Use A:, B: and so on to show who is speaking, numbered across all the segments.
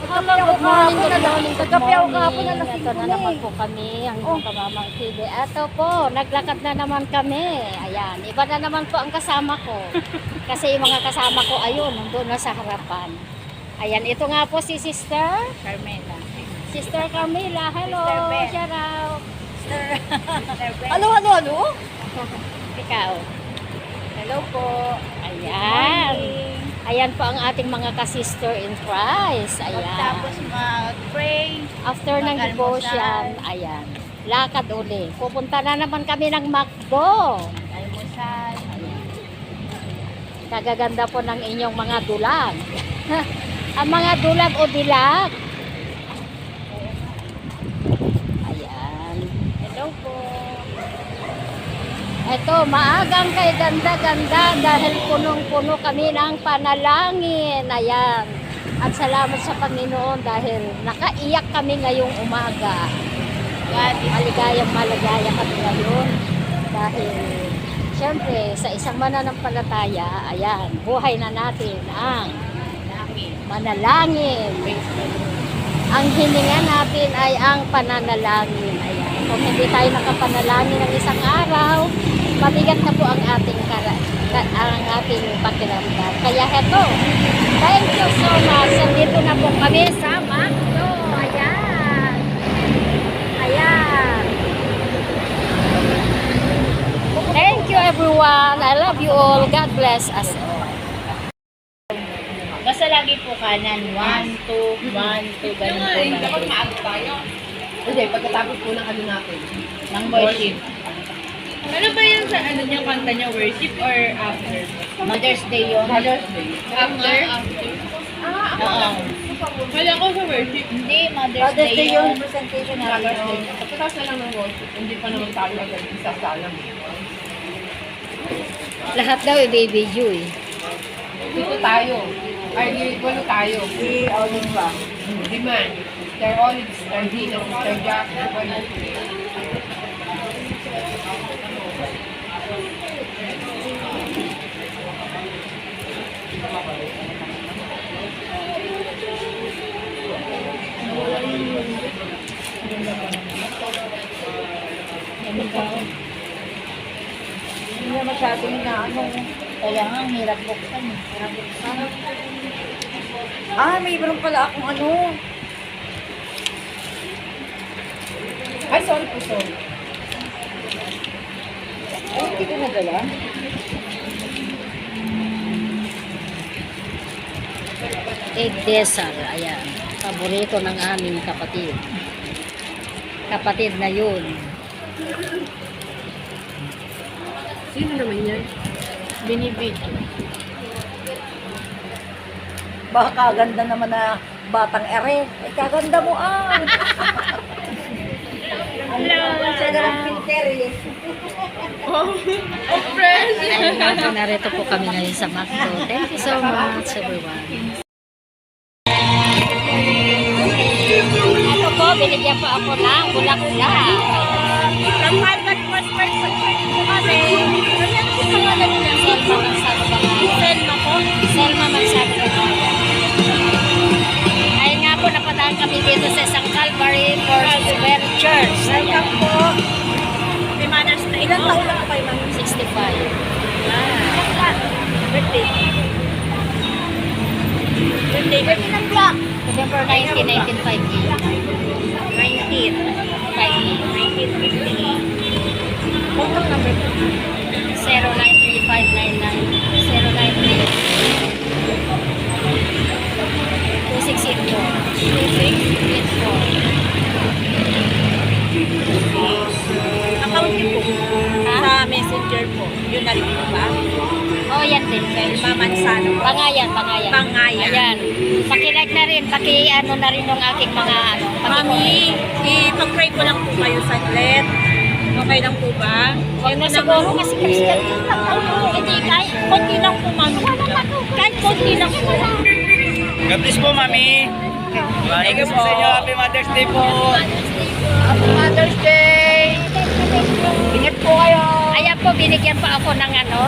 A: Good morning, good morning, good morning.
B: na
A: Ito na naman po kami, ang inyong kamamang TV. Ito po, naglakad na naman kami. Ayan, iba na naman po ang kasama ko. Kasi yung mga kasama ko, ayun, nandun na sa harapan. Ayan, ito nga po si Sister
B: Carmela.
A: Sister Carmela, hello,
B: Sister Beth.
A: shout out.
B: Ano?
A: Ikaw.
B: Hello po.
A: Ayan. Ayan po ang ating mga ka-sister in Christ.
B: Tapos
A: Ayan.
B: mag-pray.
A: After ng
B: mag-almusal.
A: devotion, ayan. Lakad uli. Pupunta na naman kami ng McDo.
B: Almusal.
A: Ayan. Kagaganda po ng inyong mga dulag. Ang mga dulag o dilag. Ayan.
B: Hello po.
A: Ito, maagang kay ganda-ganda dahil punong-puno kami ng panalangin. Ayan. At salamat sa Panginoon dahil nakaiyak kami ngayong umaga. Maligayang maligaya kami ngayon. Dahil, syempre, sa isang mananampalataya, ayan, buhay na natin ang manalangin. Ang hininga natin ay ang pananalangin. Ayan. Kung hindi tayo nakapanalangin ng isang araw, mabigat na po ang ating pakiramdam. Kaya heto, thank you so much. Dito na po kami sa McDo. Ayan. Ayan. Thank you everyone. I love you all. God bless us all.
B: Basta lagi po kanan. 1, 2, 1, 2. Ganun po lang.
C: Dapat maaga tayo. Hindi, pagkatapos po ng ano natin.
B: Ng worship.
C: Ano ba yun sa ano niya, kanta niya, worship or after?
B: Mother's Day yun.
C: Mother's Day. After?
B: Oo.
C: Kala ko sa worship.
B: Hindi, Mother's Day yun.
A: presentation
C: Mother's Day. Pagkatapos na lang ng worship, hindi pa naman tayo agad isa sa alam.
A: Lahat daw i-video eh.
C: Dito tayo. Ay, walo tayo. Si Olive ba? Diman. Sister Olive, Sister Dina, Sister Jack, walo.
A: Hindi na masyadong na ano.
B: Kaya nga, ang hirap buksan. Hirap buksan.
A: Mayroon pala akong ano.
C: Ay, sorry po, sorry.
A: Ay, hindi ko nadala. Egg desal, ayan. Paborito ng aming kapatid. Kapatid na yun.
C: Sino naman yan?
B: Binibid.
A: Baka kaganda naman na batang ere. Ay, kaganda mo
B: Hello.
A: Siya na lang pinter eh. Ayun, narito po kami ngayon sa McDo. Thank you so much, everyone. Ito po, binigyan po ako ng bulaklak.
B: From Harvard Prosper sa kami. Ano po pangalan nila?
A: Selma Mansano Bangayan.
B: Selma po.
A: Selma Mansano Bangayan. Ayun nga po, napadaan kami dito sa isang Calvary Gospel Church.
B: Welcome po. May Mother's Day. Ilan taon lang kayo, ma'am?
A: 65.
B: Birthday. Birthday ng block.
A: November 19, 1958.
B: 19. 1958. Contact number po.
A: 0935-99-0984.
B: Account niyo po.
A: Ha?
B: Sa messenger po. Yun na rin po ba?
A: Oh, yan din.
B: Selma Mansano.
A: Bangayan.
B: Bangayan.
A: Ayan. Paki-like na rin, paki-ano na rin ng aking mga ano.
B: Mami, ipag-pray ko lang po kayo saglit. Okay lang po ba?
A: Huwag na siguro kasi Christian din lang.
B: Hindi, kahit konti lang po, mami. Kahit konti lang po.
D: God bless po, Mami. Thank you po sa inyo. Happy Mother's Day po.
B: Happy Mother's Day! Ingat po kayo!
A: Ayan po, binigyan pa ako ng ano.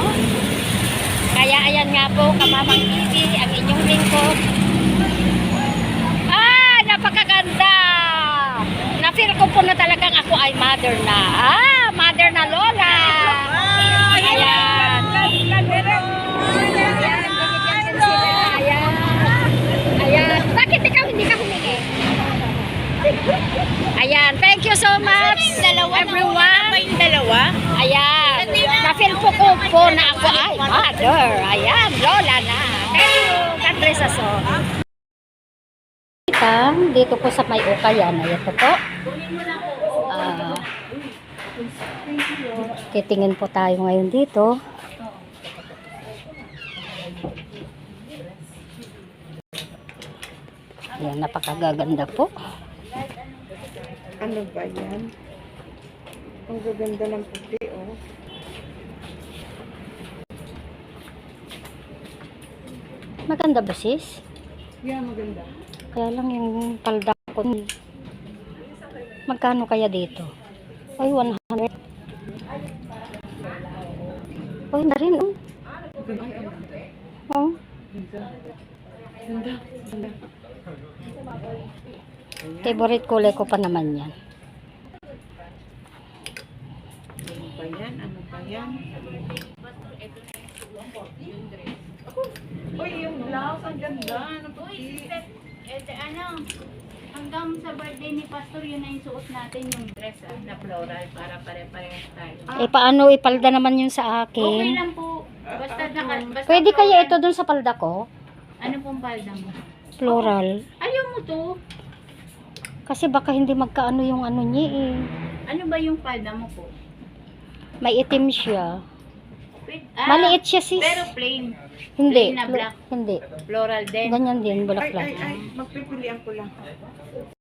A: Kaya ayan nga po, Kamamang TV, ang inyong lingkod. Ah! ay mother na. Mother na Lola. Ayan. Ayan, binigyan din sila. Ayan. Ayan. Bakit ikaw hindi ka humingi? Ayan. Thank you so much, everyone.
B: yung dalawa?
A: Ayan. Na-feel po na ako ay mother. Ayan. Lola na. Thank you. God bless us all. Dito po sa may Ukayan. Ayan po po. Titingin po tayo ngayon dito. Ayan, napakagaganda po.
B: Ano ba yan? Ang gaganda ng puti, oh.
A: Maganda ba sis?
B: Yeah, maganda.
A: Kaya lang yung palda ko. Magkano kaya dito? Ay, 100. Ay, na rin, oh. Oh.
B: Ganda. Ganda.
A: Favorite kulay ko pa naman yan.
B: Ano ba yan? Ano ba yan? Uy, yung blouse, ang ganda. Ano puti?
E: Hanggang sa birthday ni Pastor, yun na yung suot natin yung dress na floral para pare-parehas tayo.
A: Eh, paano ipalda naman yun sa
E: Okay
A: akin?
E: lang po. Basta
A: Pwede kaya
E: floral.
A: ito dun sa palda ko?
E: Ano pong palda mo?
A: Floral.
E: Ayaw mo to?
A: Kasi baka hindi magkaano yung ano niya eh.
E: Ano ba yung palda mo po?
A: May itim siya.
E: Maliit
A: Maliit siya sis.
E: pero plain.
A: Hindi.
E: plain na black.
A: Hindi.
E: Floral din.
A: Ganyan din,
B: Ay,
A: bulaklak.
B: ay, ay. Magpipilian ko lang.